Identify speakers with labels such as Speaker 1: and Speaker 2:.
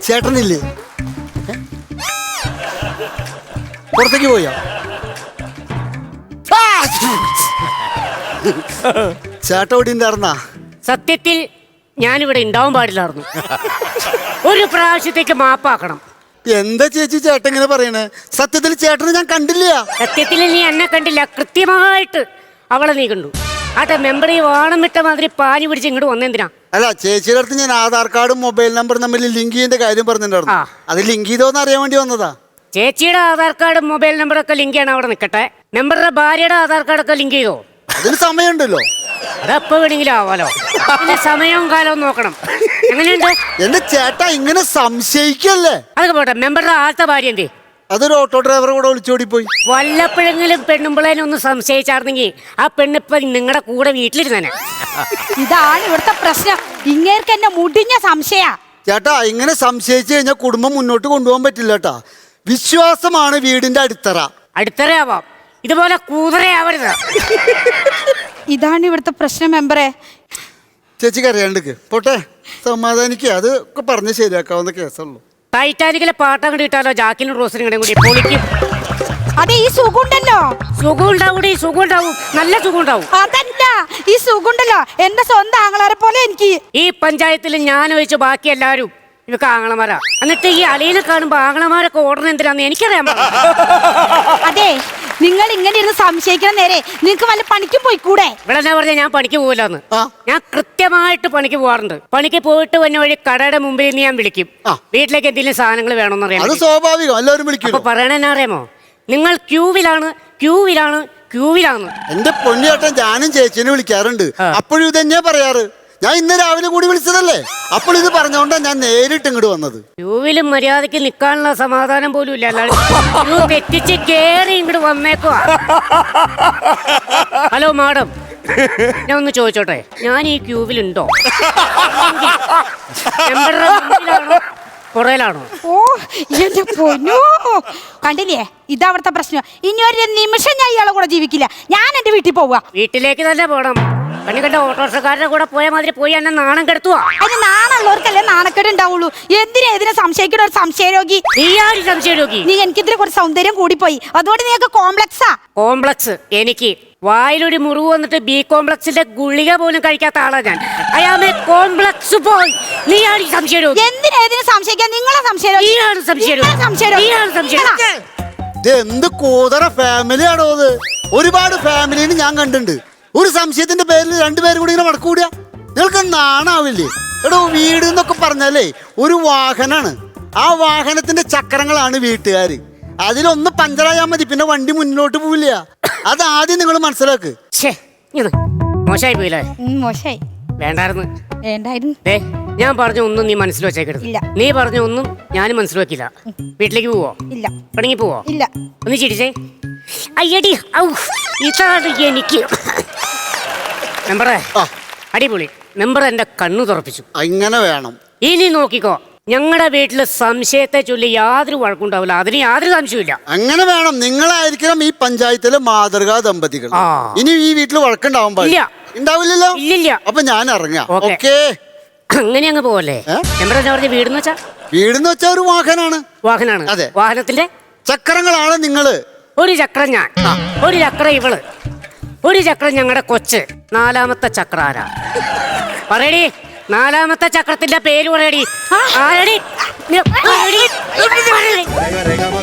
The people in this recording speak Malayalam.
Speaker 1: ചേട്ടനില്ലേ? പുറത്തേക്ക് പോയോ? ചേട്ടൻ ഇവിടെ ഉണ്ടായിരുന്നാ?
Speaker 2: സത്യത്തിൽ ഞാനിവിടെ ഉണ്ടാവാൻ പാടില്ലായിരുന്നു. ഒരു പ്രാവശ്യത്തേക്ക് മാപ്പാക്കണം.
Speaker 1: എന്താ ചേച്ചി ചേട്ടൻ ഇങ്ങനെ പറയണേ? സത്യത്തിൽ ചേട്ടനെ ഞാൻ കണ്ടില്ല.
Speaker 2: സത്യത്തിൽ നീ എന്നെ കണ്ടില്ല, കൃത്യമായിട്ട് അവളെ നീ കണ്ടു. ആട്ടെ, മെമ്പർ ഈ വാണം വിട്ട മാതിരി പാനി പിടിച്ച് ഇങ്ങോട്ട് വന്നെന്തിനാ?
Speaker 1: അല്ല, ചേച്ചിയുടെ അടുത്ത് ഞാൻ ആധാർ കാർഡും മൊബൈൽ നമ്പറും തമ്മിൽ ലിങ്ക് ചെയ്യേണ്ട കാര്യം പറഞ്ഞിട്ടുണ്ടായിരുന്നു. അത് ലിങ്ക് ചെയ്തോന്ന് അറിയാൻ വേണ്ടി വന്നതാ.
Speaker 2: ചേച്ചിയുടെ ആധാർ കാർഡും മൊബൈൽ നമ്പറൊക്കെ ലിങ്ക് ചെയ്യണം, അവിടെ നിൽക്കട്ടെ. മെമ്പറുടെ ഭാര്യയുടെ ആധാർ കാർഡൊക്കെ ലിങ്ക് ചെയ്തോ?
Speaker 1: അതിന് സമയമുണ്ടല്ലോ.
Speaker 2: അതെപ്പോ വേണമെങ്കിലും ആവാലോ. പിന്നെ സമയവും കാലവും നോക്കണം. എങ്ങനെയുണ്ട്
Speaker 1: എന്റെ ചേട്ടാ? ഇങ്ങനെ സംശയിക്കല്ലേ?
Speaker 2: അതൊക്കെ പോട്ടെ, മെമ്പറുടെ ആദ്യത്തെ ഭാര്യ എന്തേ?
Speaker 1: അതൊരു ഓട്ടോ ഡ്രൈവർ കൂടെ ഒളിച്ചോടി പോയി.
Speaker 2: വല്ലപ്പോഴെങ്കിലും പെണ്ണുമ്പിളേനെ ഒന്ന് സംശയിച്ചാർന്നെങ്കിൽ ആ പെണ്ണിപ്പ നിങ്ങളുടെ കൂടെ വീട്ടിലിരുന്നേ.
Speaker 3: ഇതാണ് ഇവിടുത്തെ പ്രശ്നം. ഇങ്ങേർക്ക് എന്നെ മുടിഞ്ഞ സംശയ.
Speaker 1: ചേട്ടാ, ഇങ്ങനെ സംശയിച്ചു കഴിഞ്ഞാൽ കുടുംബം മുന്നോട്ട് കൊണ്ടുപോകാൻ പറ്റില്ല കേട്ടാ. വിശ്വാസമാണ് വീടിന്റെ അടിത്തറ.
Speaker 2: അടിത്തറയാവാം, ഇതുപോലെ കൂതറയാവരുത്.
Speaker 3: ഇതാണ് ഇവിടുത്തെ പ്രശ്നം മെമ്പറെ.
Speaker 1: ചേച്ചിക്ക് അറിയാണ്ടിക്ക് പോട്ടെ, സമാധാനിക്കുക. അത് ഒക്കെ പറഞ്ഞ് ശരിയാക്കാവുന്ന കേസുള്ളൂ.
Speaker 2: ടൈറ്റാനിക്കിലെ പാട്ടം കൂടി ഇട്ടാലോ? ജാക്കിനും റോസിനും കൂടെ കൂടി പൊളിക്കും.
Speaker 3: അതെ, ഈ സുഖമുണ്ടല്ലോ.
Speaker 2: സുഖം ഉണ്ടാവും, സുഖം ഉണ്ടാവും, നല്ല സുഖം ഉണ്ടാവും.
Speaker 3: അതല്ല, ഈ സുഖമുണ്ടല്ലോ എന്റെ സ്വന്തം ആങ്ങളാരെ പോലെ എനിക്ക്.
Speaker 2: ഈ പഞ്ചായത്തിൽ ഞാൻ ഒഴിച്ച് ബാക്കി എല്ലാവരും ഇവക്ക് ആങ്ങളമാരാ. എന്നിട്ട് ഈ അളിയനെ കാണുമ്പോ ആങ്ങളമാരൊക്കെ ഓടണം എന്തിനാന്ന് എനിക്കറിയാൻ.
Speaker 3: അതെ, നിങ്ങൾ ഇങ്ങനെ ഇരുന്ന് സംശയിക്കണ നേരെ നിങ്ങക്ക് വല്ല പണിക്കും പോയിക്കൂടെ?
Speaker 2: ഇവിടെ എന്നാ പറഞ്ഞാൽ ഞാൻ പണിക്ക് പോകില്ലെന്ന്. ഞാൻ കൃത്യമായിട്ട് പണിക്ക് പോകാറുണ്ട്. പണിക്ക് പോയിട്ട് വന്ന വഴി കടയുടെ മുമ്പിൽ നിന്ന് ഞാൻ വിളിക്കും, വീട്ടിലേക്ക് എന്തെങ്കിലും സാധനങ്ങൾ വേണമെന്ന് അറിയാം.
Speaker 1: അത് സ്വാഭാവികം, എല്ലാവരും വിളിക്കും.
Speaker 2: അപ്പൊ പറയണെന്നാ അറിയാമോ? നിങ്ങൾ ക്യൂവിലാണ്, ക്യൂവിലാണ്, ക്യൂവിലാണ്.
Speaker 1: എന്റെ പൊന്നിയേട്ടൻ ഞാനും ചേച്ചിനെ വിളിക്കാറുണ്ട്. അപ്പോഴും ഇത് തന്നെയാ പറയാറ്. ഞാൻ ഇന്ന് രാവിലെ കൂടി വിളിച്ചതല്ലേ, അപ്പോൾ ഇത് പറഞ്ഞോണ്ടാ ഞാൻ നേരിട്ട് ഇങ്ങോട്ട് വന്നത്.
Speaker 2: ക്യൂവിലും മര്യാദക്ക് നിൽക്കാനുള്ള സമാധാനം പോലും ഇല്ല. ക്യൂ തെറ്റിച്ച് കേറി ഇങ്ങോട്ട് വന്നേക്കുവാ. ഹലോ മാഡം, ഞാൻ ഒന്ന് ചോദിച്ചോട്ടെ, ഞാൻ ഈ ക്യൂവിലുണ്ടോ? പുറയിലാണോ?
Speaker 3: ഓ എന്റെ പൊന്നോ, കണ്ടില്ലേ? ഇതാ അവിടുത്തെ പ്രശ്നം. ഇനി ഒരു നിമിഷം ഞാൻ ഇയാളെ കൂടെ ജീവിക്കില്ല. ഞാൻ എന്റെ വീട്ടിൽ പോവാ.
Speaker 2: വീട്ടിലേക്ക് തന്നെ പോണം. കണ്ണി കണ്ട ഓട്ടോറിക്ഷക്കാരുടെ കൂടെ പോയ മാതിരി പോയി എന്നെ നാണം കെടുത്തുവാ.
Speaker 3: അതിന് നാണുള്ളവർക്കല്ലേ നാണക്കേട് ഉണ്ടാവുള്ളൂ. എന്തിനെ സംശയിക്കണ ഒരു സംശയരോഗി?
Speaker 2: നീയാര് സംശയരോഗി?
Speaker 3: നീ എനിക്കിതിന് കുറച്ച് സൗന്ദര്യം കൂടിപ്പോയി, അതുകൊണ്ട് നീക്ക് കോംപ്ലക്സാ.
Speaker 2: കോംപ്ലക്സ് എനിക്ക്? വായിലൊരു മുറിവ് വന്നിട്ട് ബി കോംപ്ലക്സിന്റെ ഗുളിക പോലും കഴിക്കാത്ത ആളാ ഞാൻ. അയാമേ കോംപ്ലക്സ് പോയി. നീയാര് സംശയരോഗി?
Speaker 3: എന്തിനെ സംശയിക്കാൻ? നിങ്ങളെ സംശയരോഗി.
Speaker 1: എന്ത് കൂതറ ഫാമിലിയാണോ അത്? ഒരുപാട് ഫാമിലിന് ഞാൻ കണ്ടിട്ടുണ്ട്. ഒരു സംശയത്തിന്റെ പേരിൽ രണ്ടുപേരും കൂടി ഇങ്ങനെ വടക്ക് കൂടിയാ നിങ്ങൾക്ക് നാണാവില്ലേ? എടോ, വീട് എന്നൊക്കെ പറഞ്ഞാലേ ഒരു വാഹനാണ്. ആ വാഹനത്തിന്റെ ചക്രങ്ങളാണ് വീട്ടുകാര്. അതിലൊന്ന് പഞ്ചറായാൽ മതി, പിന്നെ വണ്ടി മുന്നോട്ട് പോവില്ല. അതാദ്യം നിങ്ങൾ മനസ്സിലാക്ക്.
Speaker 2: മോശമായി പോയില്ലേ?
Speaker 3: മോശമായി.
Speaker 2: വേണ്ടായിരുന്നു.
Speaker 3: ഞാൻ
Speaker 2: പറഞ്ഞ ഒന്നും നീ മനസ്സിൽ വെച്ചേക്കരുത്. നീ പറഞ്ഞ ഒന്നും ഞാനും മനസ്സിൽ വെക്കില്ല. വീട്ടിലേക്ക് പോവോ?
Speaker 3: ഇല്ല.
Speaker 2: പണിക്ക് പോവോ?
Speaker 3: ഇല്ല.
Speaker 2: ഒന്ന് ചിരിച്ചേ. അയ്യടി, ഇതാണ് എനിക്ക്. മെമ്പറേ, അടിപൊളി. മെമ്പർ എന്റെ കണ്ണു തുറപ്പിച്ചു.
Speaker 1: അങ്ങനെ വേണം.
Speaker 2: ഇനി നോക്കിക്കോ, ഞങ്ങളുടെ വീട്ടില് സംശയത്തെ ചൊല്ലി യാതൊരു വഴക്കുണ്ടാവില്ല. അതിന് യാതൊരു സംശയമില്ല.
Speaker 1: അങ്ങനെ വേണം. നിങ്ങളായിരിക്കണം ഈ പഞ്ചായത്തിലെ മാതൃകാ ദമ്പതികൾ. ഇനി ഈ വീട്ടിൽ വഴക്കുണ്ടാവും ഉണ്ടാവില്ലല്ലോ?
Speaker 2: ഇല്ലില്ല.
Speaker 1: അപ്പൊ ഞാൻ ഇറങ്ങാം.
Speaker 2: അങ്ങനെ അങ്ങ് പോവല്ലേ? മെമ്പർ എന്താ പറഞ്ഞ? വീടെന്ന്
Speaker 1: വെച്ചാ ഒരു വാഹനാണ്.
Speaker 2: വാഹനാണ്.
Speaker 1: അതെ.
Speaker 2: വാഹനത്തിന്റെ
Speaker 1: ചക്രങ്ങളാണ് നിങ്ങള്.
Speaker 2: ഒരു ചക്രം ഞാൻ, ഒരു ചക്രം ഇവള്, ഒരു ചക്രം ഞങ്ങളുടെ കൊച്ച്. നാലാമത്തെ ചക്ര ആരാ? പറയടി, നാലാമത്തെ ചക്രത്തിന്റെ പേര് പറയടി. ആരടി?